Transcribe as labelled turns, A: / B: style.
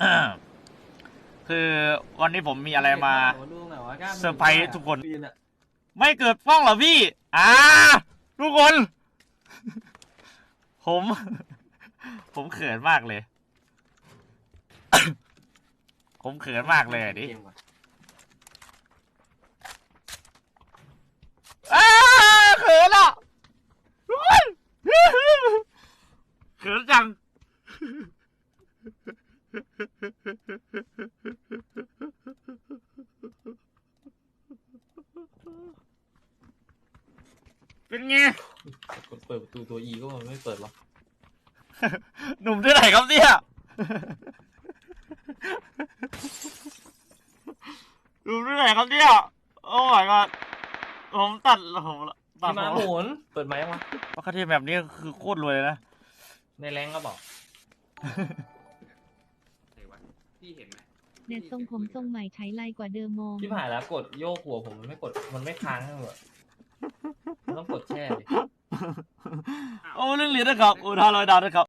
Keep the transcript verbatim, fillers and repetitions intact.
A: คือวันนี้ผมมีอะไรมา
B: ดูหน่อยว่ากล้า
A: เซอร์ไพรส์ทุกคน
B: ปีอะ
A: ไม่เกิดฟ้องเหรอพี่ อ่า ทุกคน ผม ผมเขินมากเลย ผมเขินมากเลยดิอ้าเขินอ่ะทุกคนเขินจัง เป็นไง
B: กดเปิดประตูตัวอีก็มันไม่เปิดหรอก
A: หนุ่มที่ไหนครับเนี่ย หนุ่มที่ไหนครับเนี่ย โอ้ my god ผมตัดผมตัด
B: พี่มาหมุนเปิดไหมวะ
A: ปกติแบบนี้คือโคตรรวยเลยนะ
B: ในแรงก็บอก
C: พี่เห็นไหม
D: เน็ตทรงผมทรงใหม่ใช้ไลกว่าเดิมมอง
B: ที่ผ่านแล้วกดโยกหัวผมมันไม่กดมันไม่ค้างให้หมดมันต้องกดแช่ดิ
A: โอ้เรื่องเหรียญนะครับโอ้ทาลอยดาวนะครับ